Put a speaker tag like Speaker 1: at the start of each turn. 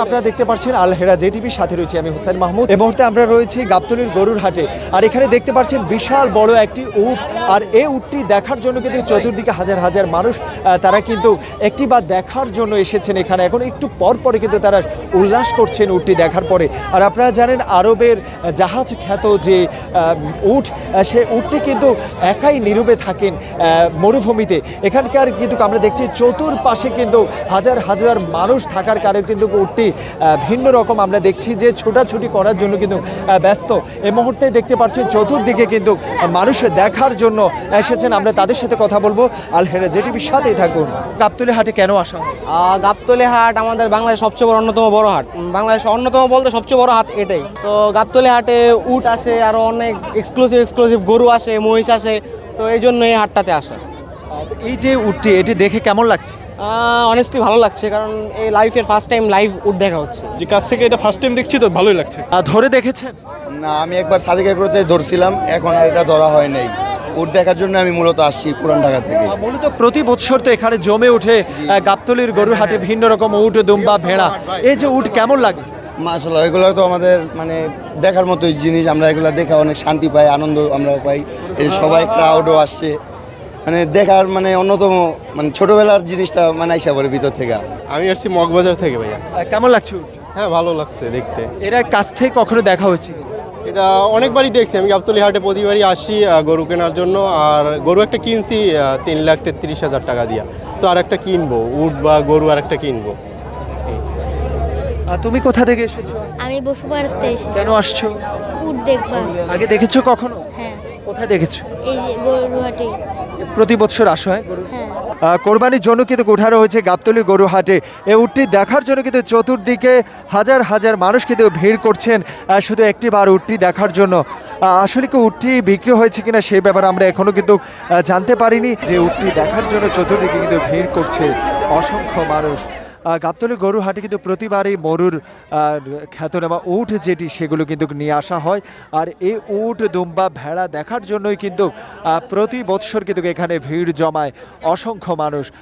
Speaker 1: আপনারা দেখতে পাচ্ছেন আল হেরা জেটিভির সাথে রয়েছে আমি হোসেন মাহমুদ। এই মুহূর্তে আমরা রয়েছি গাবতলীর গরুর হাটে, আর এখানে দেখতে পাচ্ছেন বিশাল বড় একটি উট, আর এই উটটি দেখার জন্য কিন্তু চতুর্দিকে হাজার হাজার মানুষ তারা কিন্তু একটি বা দেখার জন্য এসেছেন এখানে। এখন একটু পর পরে কিন্তু তারা উল্লাস করছেন উটটি দেখার পরে। আর আপনারা জানেন আরবের জাহাজ খ্যাত যে উট, সে উটটি কিন্তু একাই নীরবে থাকেন মরুভূমিতে। এখানকার কিন্তু আমরা দেখছি চতুর্পাশে কিন্তু হাজার হাজার মানুষ থাকার কারণে কিন্তু উটটি ভিন্ন রকম আমরা দেখছি যে ছোটাছুটি করার জন্য কিন্তু ব্যস্ত। এই মুহূর্তে দেখতে পাচ্ছি চতুর্দিকে কিন্তু মানুষ দেখার জন্য এসেছেন। আমরা তাদের সাথে কথা বলবো। আল হেরা জেটিভির সাথেই থাকুন। গাবতলী হাটে কেন আসা?
Speaker 2: গাবতলী হাট আমাদের বাংলাদেশের সবচেয়ে বড় অন্যতম বড় হাট, বাংলাদেশের অন্যতম বলতে সবচেয়ে বড় হাট এটাই। তো গাবতলী হাটে উট আসে, আরও অনেক এক্সক্লুসিভ গরু আসে, মহিষ আসে, তো এই জন্য এই হাটটাতে আসা।
Speaker 1: এই যে উটটি, এটি দেখে কেমন লাগছে?
Speaker 2: অনেস্টলি ভালো লাগছে, কারণ এই লাইফের ফার্স্ট টাইম লাইভ উট দেখা হচ্ছে।
Speaker 3: যে কাছ থেকে এটা ফার্স্ট টাইম দেখছি তো ভালোই লাগছে।
Speaker 1: ধরে দেখেছেন?
Speaker 4: না, আমি একবার সাদিকা করতে ধরছিলাম, এখন আর এটা ধরা হয় নাই। উট দেখার জন্য আমি মূলত আসছি পুরান ঢাকা থেকে।
Speaker 1: মূলত প্রতি বছর তো এখানে জমে ওঠে গাবতলীর গরুর হাটে ভিন্ন রকম উট, দুম্বা, ভেড়া। এই যে উট কেমন লাগে?
Speaker 4: মাশাআল্লাহ, এগুলো তো আমাদের মানে দেখার মতোই জিনিস। আমরা এগুলো দেখে অনেক শান্তি পাই, আনন্দ আমরা পাই। এই সবাই ক্রাউডও আসছে, মানে দেখার মানে অন্যতম মানে ছোটবেলার জিনিসটা মানে আইসা পড়ে ভিতর থেকে।
Speaker 3: আমি আসছি মগবাজার থেকে ভাইয়া।
Speaker 1: কেমন লাগছে উট?
Speaker 3: হ্যাঁ, ভালো লাগছে দেখতে।
Speaker 1: এরা কাছ থেকে কখনো দেখা হয়েছে?
Speaker 3: এটা অনেকবারই দেখছি। আমি গাবতলী হাটে প্রতিবারই আসি গরু কেনার জন্য। আর গরু একটা কিনছি 3,33,000 টাকা দিয়া, তো আর একটা কিনবো, উট বা গরু আর একটা কিনবো।
Speaker 1: তুমি কোথা থেকে এসেছো?
Speaker 5: আমি বসুপাড়াতে এসেছি।
Speaker 1: কেন আসছো?
Speaker 5: উট দেখবা।
Speaker 1: আগে দেখেছো কখনো?
Speaker 5: হ্যাঁ,
Speaker 1: কোথায় দেখেছো?
Speaker 5: এই যে গরুহাটে।
Speaker 1: প্রতি বছর আসো? হ্যাঁ।
Speaker 5: হ্যাঁ,
Speaker 1: কোরবানির জন্য কিন্তু উঠানো হয়েছে গাবতলী গরু হাটে। এই উটটি দেখার জন্য কিন্তু চতুর্দিকে হাজার হাজার মানুষ কিন্তু ভিড় করছেন শুধু একটি বার উটটি দেখার জন্য। আসলে কি উটটি বিক্রি হয়েছে কিনা সেই ব্যাপারে আমরা এখনো কিন্তু জানতে পারিনি। যে উটটি দেখার জন্য চতুর্দিকে কিন্তু ভিড় করছে অসংখ্য মানুষ। গাবতলী গরু হাটে কিন্তু প্রতিবারই মরুর খ্যাতনামা উট যেটি সেগুলো কিন্তু নিয়ে আসা হয়। আর এই উট, দুম্বা, ভেড়া দেখার জন্যই কিন্তু প্রতি বৎসর কিন্তু এখানে ভিড় জমায় অসংখ্য মানুষ।